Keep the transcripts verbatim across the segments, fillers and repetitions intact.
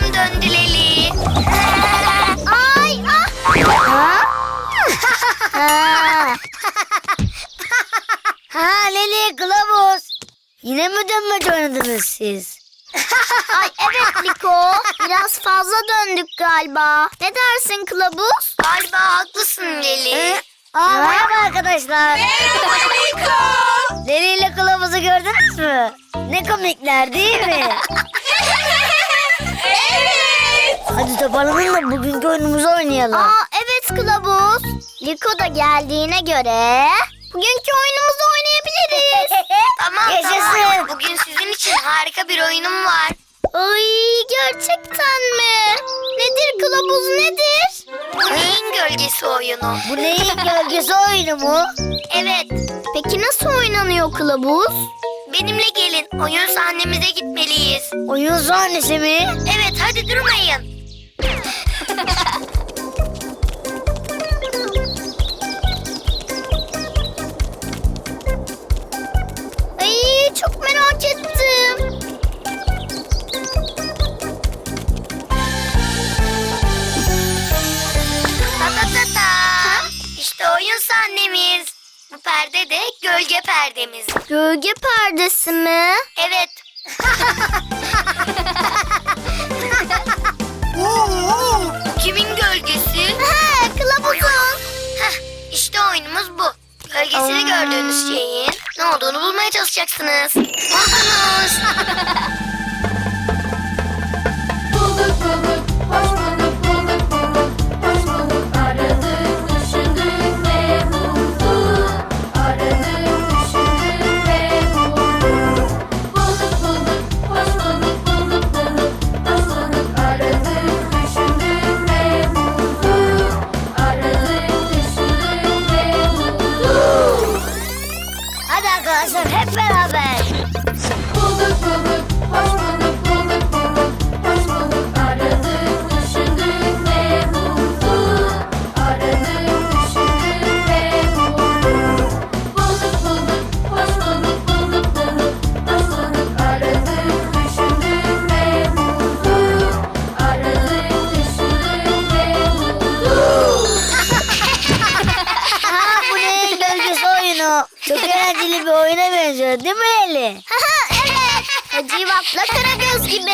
başım döndü Leli. Ay ah. Ha? Ha. Ha Leli, Kılavuz. Yine mi dönmece oynadınız siz? Ay evet Liko. Biraz fazla döndük galiba. Ne dersin Kılavuz? Galiba haklısın Leli. Aa, merhaba arkadaşlar. Merhaba Liko. Leli ile Kılavuz'u gördünüz mü? Ne komikler değil mi? Evet. Hadi toparlanın da bugünkü oyunumuzu oynayalım. Aa evet Kılavuz. Liko da geldiğine göre bugünkü oyunumuzu oynayabiliriz. Tamam Yaşasın. tamam. Bugün sizin için harika bir oyunum var. Ay gerçekten mi? Nedir Kılavuz nedir? Bu neyin gölgesi oyunu? Bu neyin gölgesi oyunu mu? Evet. Peki nasıl oynanıyor Kılavuz? Benimle gelin. Oyun sahnemize gitmeliyiz. Oyun sahnesi mi? Evet hadi durmayın. Ay çok merak ettim. Ta ta ta ta. İşte oyun sahnemiz. Bu perde de gölge perdemiz. Gölge perdesi mi? Evet. Kimin gölgesi? He Kılavuz'un. Heh, işte oyunumuz bu. Gölgesini gördüğünüz şeyin ne olduğunu bulmaya çalışacaksınız. Buldunuz. Bulduk bulduk, hoş bulduk, bulduk bulduk, hoş bulduk. Aradık, düşündük ve bulduk. Aradık, düşündük ve bulduk. Bulduk bulduk, hoş bulduk, bulduk bulduk, hoş bulduk. Aradık, düşündük ve bulduk. Aradık, düşündük ve bulduk. Hadi arkadaşlar hep beraber. Bulduk bulduk, hoş bulduk, bulduk bulduk, hoş bulduk. Aradık, düşündük ve bulduk. Aradık, düşündük ve bulduk. Bulduk bulduk, hoş bulduk, bulduk bulduk, hoş bulduk. Aradık, düşündük ve bulduk. Aradık, düşündük ve bulduk. Ha, bu neyin gölgesi oyunu? Çok eğlenceli bir oyuna benziyor değil mi Leli? Evet. Hacivat'la Karagöz gibi.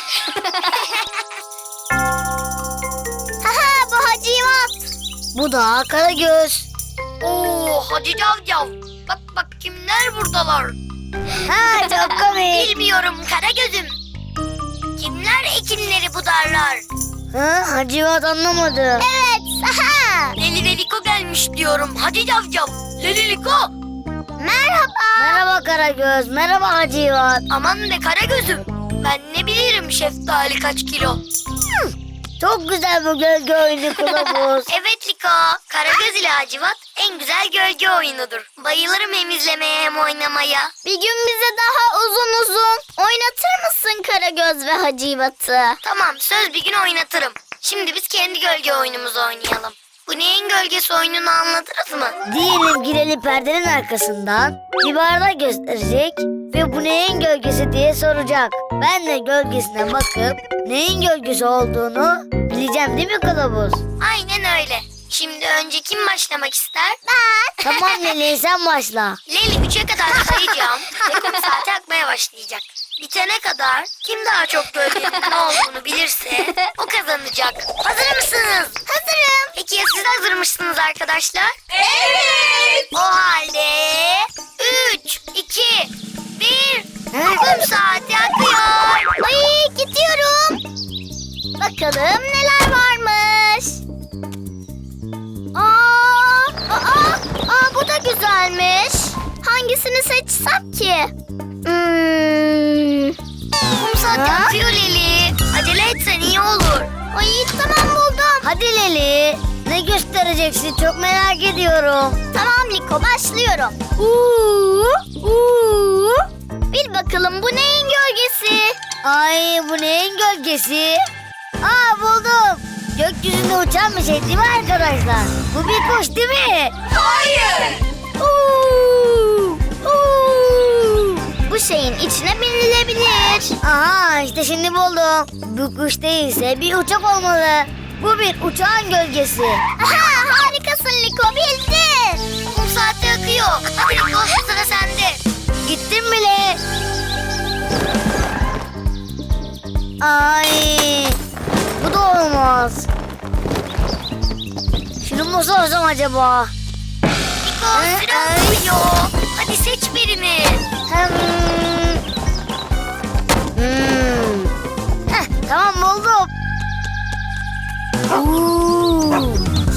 Haha bu Hacivat. Bu da Karagöz. Oo, hadi cavcav. Bak bak kimler buradalar. Ha, çok komik. Bilmiyorum Karagöz'üm. Kimler ekinleri budarlar? Ha, Hacivat anlamadı. Evet. Haha. Leli ve Liko gelmiş diyorum. Hadi cavcav. Leli Liko. Merhaba. Merhaba Karagöz, merhaba Hacivat. Aman be Karagöz'üm. Ben ne bilirim şeftali kaç kilo. Çok güzel bu gölge oyunu Kılavuz. Evet Liko. Karagöz ile Hacivat en güzel gölge oyunudur. Bayılırım hem izlemeye hem oynamaya. Bir gün bize daha uzun uzun oynatır mısın Karagöz ve Hacivat'ı? Tamam söz bir gün oynatırım. Şimdi biz kendi gölge oyunumuzu oynayalım. Bu neyin gölgesi oyununu anlatırız mı? Diyelim Gireli perdenin arkasından bir bardak gösterecek ve bu neyin gölgesi diye soracak. Ben de gölgesine bakıp neyin gölgesi olduğunu bileceğim değil mi Kılavuz? Aynen öyle. Şimdi önce kim başlamak ister? Ben. Tamam Leli, sen başla. Leli üçe kadar sayacağım ve kum saati akmaya başlayacak. Bitene kadar kim daha çok gölgenin ne olduğunu bilirse o kazanacak. Hazır mısınız? Hazırım. Peki ya siz hazır mısınız arkadaşlar? Evet. O halde üç, iki, bir, kum saati akıyor. Ay gidiyorum. Bakalım neler varmış. Aa, aa, aa bu da güzelmiş. Hangisini seçsem ki? Hmm. Kum saati Ha? akıyor Leli. Acele etsen iyi olur. Ay tamam buldum. Hadi Leli, ne göstereceksin çok merak ediyorum. Tamam Liko başlıyorum. Uuu, uuu. Bil bakalım bu neyin gölgesi? Ay, bu neyin gölgesi? Aa, buldum. Gökyüzünde uçan bir şey değil mi arkadaşlar? Bu bir kuş değil mi? Hayır. Uuu, uuu. Bu bu şeyin içine binilebilir. Aha işte şimdi buldum. Bu kuş değilse bir uçak olmalı. Bu bir uçağın gölgesi. Aha, harikasın Liko, bildin. Kum saati akıyor. Hadi Liko, sıra sende. Gittim bile. Ay, bu da olmaz. Şunu mu sorsam acaba? Liko, süre akıyor. Hadi seç birini. Hem... Hmm. Heh, tamam buldum. Oo.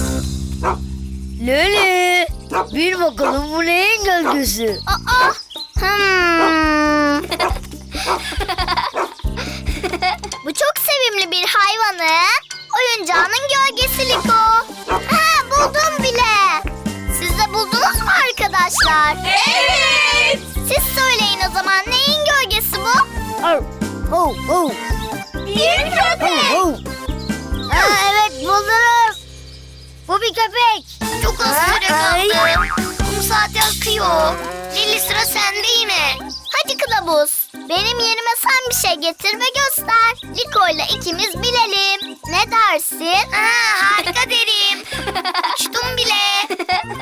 Leli, bir bakalım bu neyin gölgesi? Aa, hmm. Bu çok sevimli bir hayvanın oyuncağının gölgesi Liko. Ha, buldum bile. Siz de buldunuz mu arkadaşlar? Evet. Siz söyleyin o zaman, neyin gölgesi bu? Oh, oh, oh. Bir köpek. Oh, oh. Aa, evet buldunuz. Bu bir köpek. Çok az süre Ay. kaldı. Kum saati akıyor. Lili, sıra sende yine. Hadi kılavuz, benim yerime sen bir şey getir ve göster. Liko ile ikimiz bilelim. Ne dersin? Ha, harika derim. Uçtum bile.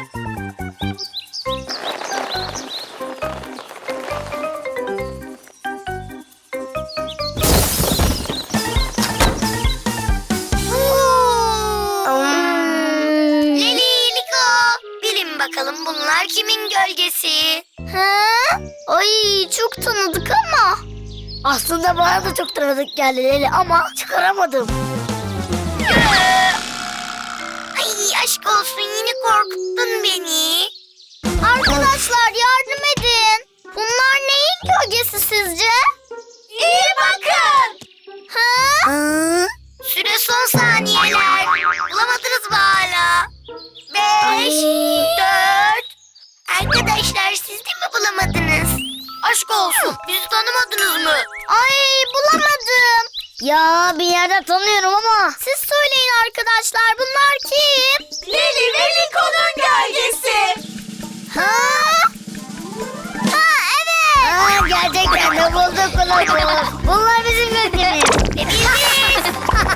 Hmm. Lili, Liko, bilin bakalım bunlar kimin gölgesi? Ha? Ay, çok tanıdık ama. Aslında bana da çok tanıdık geldi Leli ama çıkaramadım. Ay, aşk olsun, yine korkuttun beni. Arkadaşlar yardım edin. Bunlar neyin gölgesi sizce? İyi bakın. Ha? Aa, Süre son saniyeler. Bulamadınız mı hala? Beş, dört. Arkadaşlar, siz de mi bulamadınız? Aşk olsun, bizi tanımadınız mı? Ay, bulamadım. ya bir yerden tanıyorum ama. Siz söyleyin arkadaşlar, bunlar kim? Lili ve Liko'nun gölgesi. Ha? Ha, evet. Aa, gerçekten de bulduk kılavuz. Bunlar bizim gölgemiz. Ve bildiniz.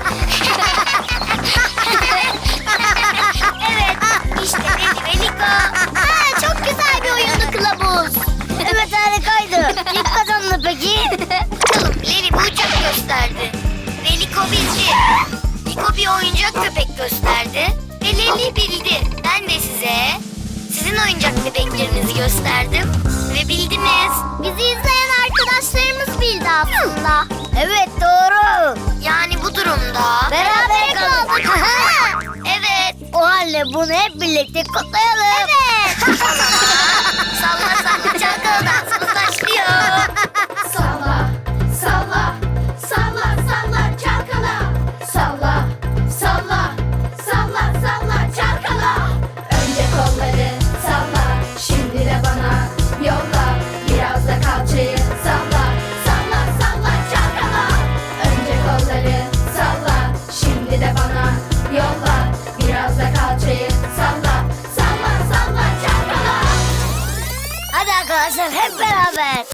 Evet, işte Lili ve Liko. Ha, çok güzel bir oyundu kılavuz. Evet harikaydı. Kim kazandı peki? Bakalım, Lili bu uçak gösterdi. Ve Liko bildi. Liko bir oyuncak köpek gösterdi. Ve Lili bildi. Ben de size sizin oyuncak bebeklerinizi gösterdim. Ve bildiniz. Bizi izleyen arkadaşlarımız bildi aslında. Evet doğru. Yani bu durumda... Beraber kaldık. Evet. O halde bunu hep birlikte kutlayalım. Evet. O zaman salla salla çalkala dansımız başlıyor. Salla, salla, salla, salla, çalkala. Salla, salla, salla, salla, çalkala. Önce kolları salla, şimdi de bana yolla. Biraz da kalçayı salla, salla, salla, çalkala. Önce kolları salla, şimdi de bana yolla. Biraz da kalçayı salla, salla, salla, çalkala. Hadi arkadaşlar hep beraber.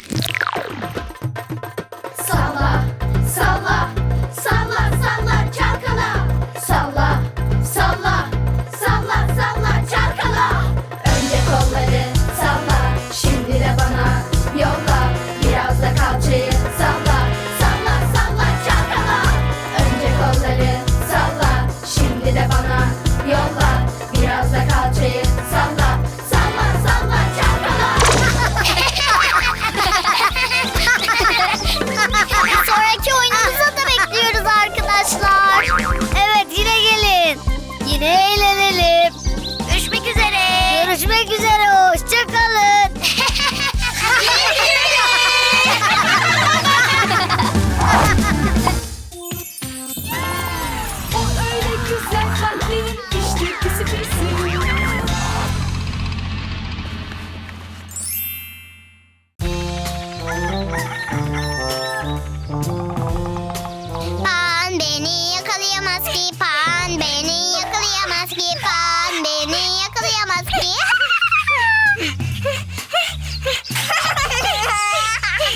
Salla, salla, salla, salla, çalkala. Salla, salla, salla, salla, çalkala. Önce kolları salla, şimdi de bana yolla. Biraz da kalçayı salla, salla, salla, çalkala. Önce kolları salla, şimdi de bana yolla. Biraz da kalçayı salla, salla, salla, çalkala. Bir sonraki oyunumuza da bekliyoruz arkadaşlar. Evet yine gelin. Yine eğlenelim. Görüşmek üzere. Görüşmek üzere. Hoşçakalın. O öyle güzel kalplerin işte pisi pisi. Pan beni yakalayamaz ki, pan beni yakalayamaz ki, pan beni yakalayamaz ki.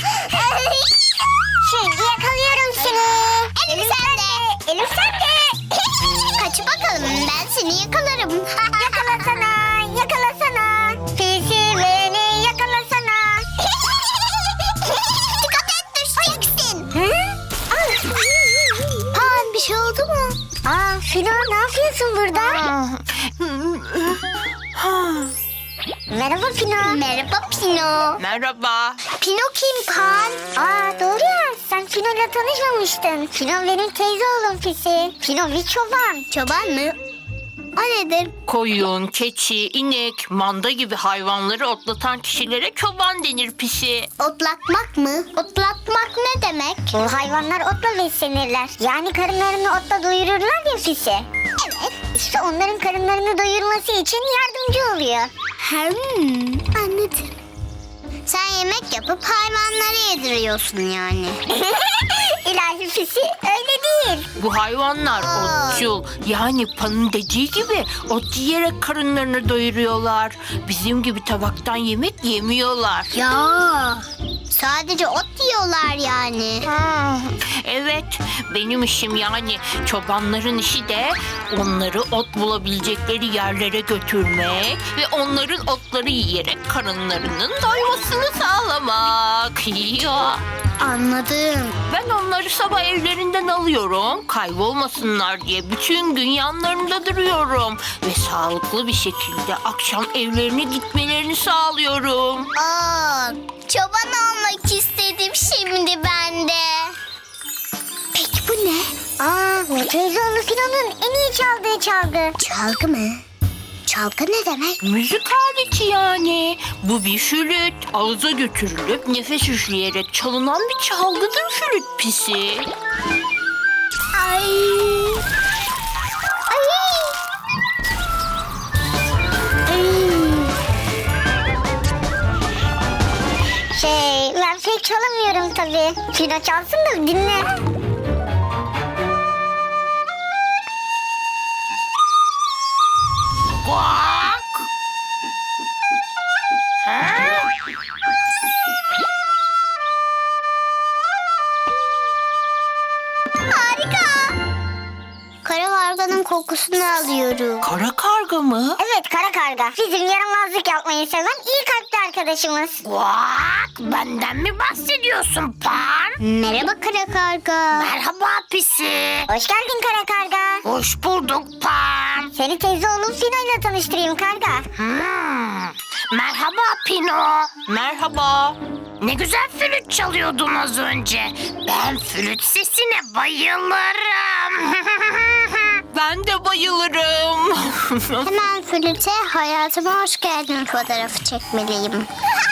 Kaç bakalım, ben seni yakalarım. Yakalasana, yakalasana. Pisi beni yakalasana. Dikkat et, düşeceksin. Pan, bir şey oldu mu? Aa, Fino, ne yapıyorsun burada? Merhaba Pino. Merhaba Pino. Merhaba. Pino kim Pan? Aa, doğru ya, sen Pino'yla tanışmamıştın. Pino benim teyze oğlum Pisi. Pino bir çoban. Çoban mı? O nedir? Koyun, keçi, inek, manda gibi hayvanları otlatan kişilere çoban denir pisi. Otlatmak mı? Otlatmak ne demek? Bu hayvanlar otla beslenirler. Yani karınlarını otla doyururlar ya Pisi. Evet. İşte onların karınlarını doyurması için yardımcı oluyor. Hmm, anladım. Sen yemek yapıp hayvanlara yediriyorsun yani. İlahi Pisi, öyle değil. Bu hayvanlar Aa. otçul. Yani Pan'ın dediği gibi ot yiyerek karınlarını doyuruyorlar. Bizim gibi tabaktan yemek yemiyorlar. Ya. Sadece ot yiyorlar yani. Evet, benim işim yani çobanların işi de onları ot bulabilecekleri yerlere götürmek ve onların otları yiyerek karınlarının doymasını sağlamak. Ya. Anladım. Ben onları sabah evlerinden alıyorum. Kaybolmasınlar diye bütün gün yanlarında duruyorum. Ve sağlıklı bir şekilde akşam evlerine gitmelerini sağlıyorum. Aa, çoban olmak istedim şimdi ben de. Peki bu ne? Aa, bu teyzeoğlu Fino'nun en iyi çaldığı çalgı. Çalgı mı? Çalgı ne demek? Müzik aleti yani. Bu bir flüt. Ağza götürülüp nefes üfleyerek çalınan bir çalgıdır flüt pisi. Ay. Ay. Şey, ben pek çalamıyorum tabii. Fino çalsın da dinle. Bak. Harika. Kara karganın kokusunu alıyorum. Kara karga mı? Evet, kara karga. Bizim yaramazlık yapmayı seven iyi kalpli arkadaşımız. Bak, benden mi bahsediyorsun Pan? Merhaba kara karga. Merhaba pisi. Hoş geldin kara karga. Hoş bulduk Pan. Seni teyze oğlum Fino ile tanıştırayım karga. Hmm. Merhaba Pino. Merhaba. Ne güzel flüt çalıyordun az önce. Ben flüt sesine bayılırım. Ben de bayılırım. Hemen flüte hayatıma hoş geldin fotoğrafı çekmeliyim.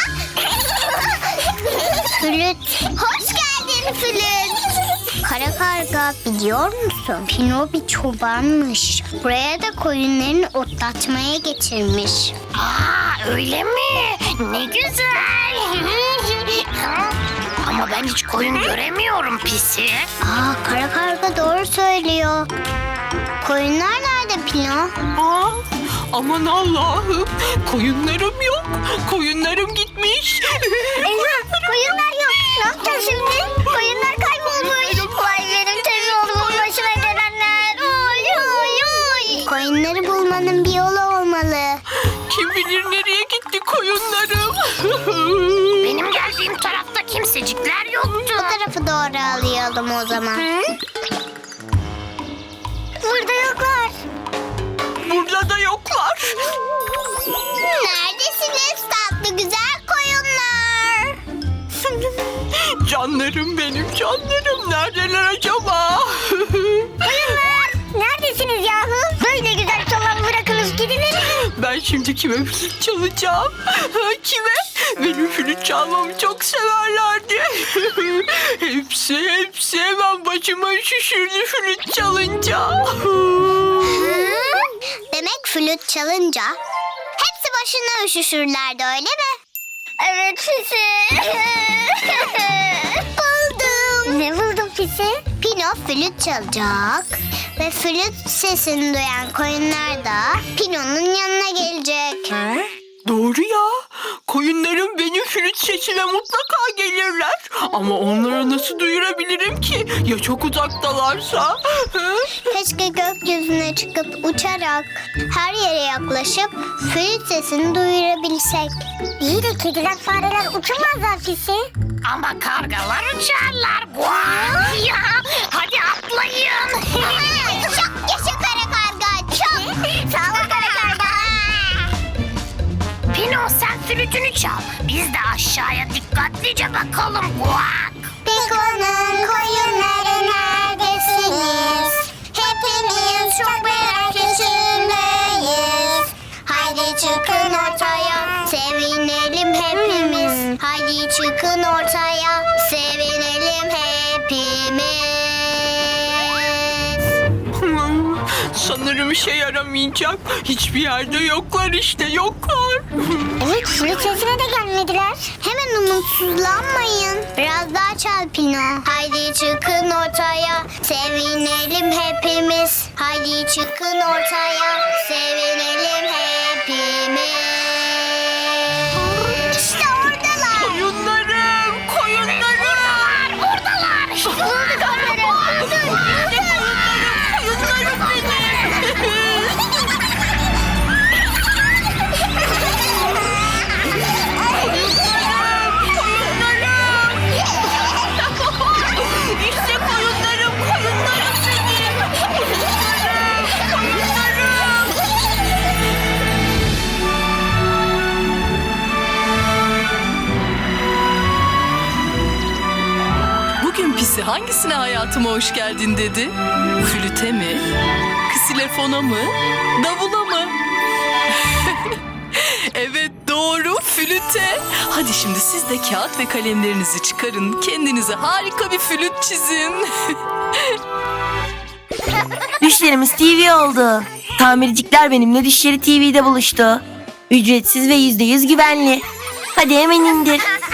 Flüt. Hoş geldin flüt. Kara karga, biliyor musun? Pino bir çobanmış. Buraya da koyunlarını otlatmaya getirmiş. Aa, öyle mi? Ne güzel. Ama ben hiç koyun göremiyorum pisi. Aa, kara karga doğru söylüyor. Koyunlar nerede Pino? Aa, aman Allah'ım. Koyunlarım yok. Koyunlarım gitmiş. Eyvah, koyunlar yok. Ne yapacağız şimdi? Koyunlar kaybolmuş. Vay benim teyze oğlumun başına gelenler. Oy oy oy. Koyunları bulmanın bir yolu olmalı. Kim bilir nereye gitti koyunlarım. Benim geldiğim tarafta kimsecikler yoktu. Bu tarafı doğru alayalım o zaman. Burada yoklar. Burada da yoklar. Neredesiniz tatlı güzel koyunlar? Canlarım benim canlarım. Neredeler acaba? Koyunlar neredesiniz yahu? Böyle güzel çalan bırakınız gidilir. Ben şimdi kime flüt çalacağım? Kime? Benim flüt çalmamı çok severlerdi. hepsi hepsi hemen başıma üşüşürdü flüt çalınca. Demek flüt çalınca hepsi başına üşüşürlerdi öyle mi? Evet Fisi. Buldum. Ne buldun Fisi? Pino flüt çalacak ve flüt sesini duyan koyunlar da Pino'nun yanına gelecek. Doğru ya. Koyunlarım benim flüt sesime mutlaka gelirler. Ama onlara nasıl duyurabilirim ki? Ya çok uzaktalarsa? Hı? Keşke gökyüzüne çıkıp uçarak her yere yaklaşıp flüt sesini duyurabilsek. İyi de kediler fareler uçamazlar Fisi. Ama kargalar uçarlar. Guak ya. Hadi atlayın. Çok yaşa kara karga çok. Sağ ol kara karga. Pino sen flütünü çal. Biz de aşağıya dikkatlice bakalım. Guak. Piko'nun koyunları neredesiniz? Hepimiz çok merak içindeyiz. Haydi çıkın ortaya, sevinelim hepimiz. Haydi çıkın ortaya, sevinelim hepimiz. Hmm, sanırım işe yaramayacak. Hiçbir yerde yoklar işte, yoklar. Evet, flüt sesine de gelmediler. Hemen umutsuzlanmayın. Biraz daha çal Pino. Haydi çıkın ortaya, sevinelim hepimiz. Haydi çıkın ortaya, sevinelim hepimiz. İşte oradalar. Koyunlarım, koyunlarım. Buradalar. Koyunlarım, Koyunlarım benim. İşte koyunlarım, koyunlarım benim. Koyunlarım, koyunlarım. Bugün Pisi hangisine hayatıma hoş geldin dedi? Flüte mi? Ksilefona mı? Davula mı? Evet doğru, flüte. Hadi şimdi siz de kağıt ve kalemlerinizi çıkarın. Kendinize harika bir flüt çizin. Düşlerimiz T V oldu. Tamircikler benimle düşleri T V'de buluştu. Ücretsiz ve yüzde yüz güvenli. Hadi hemen indir.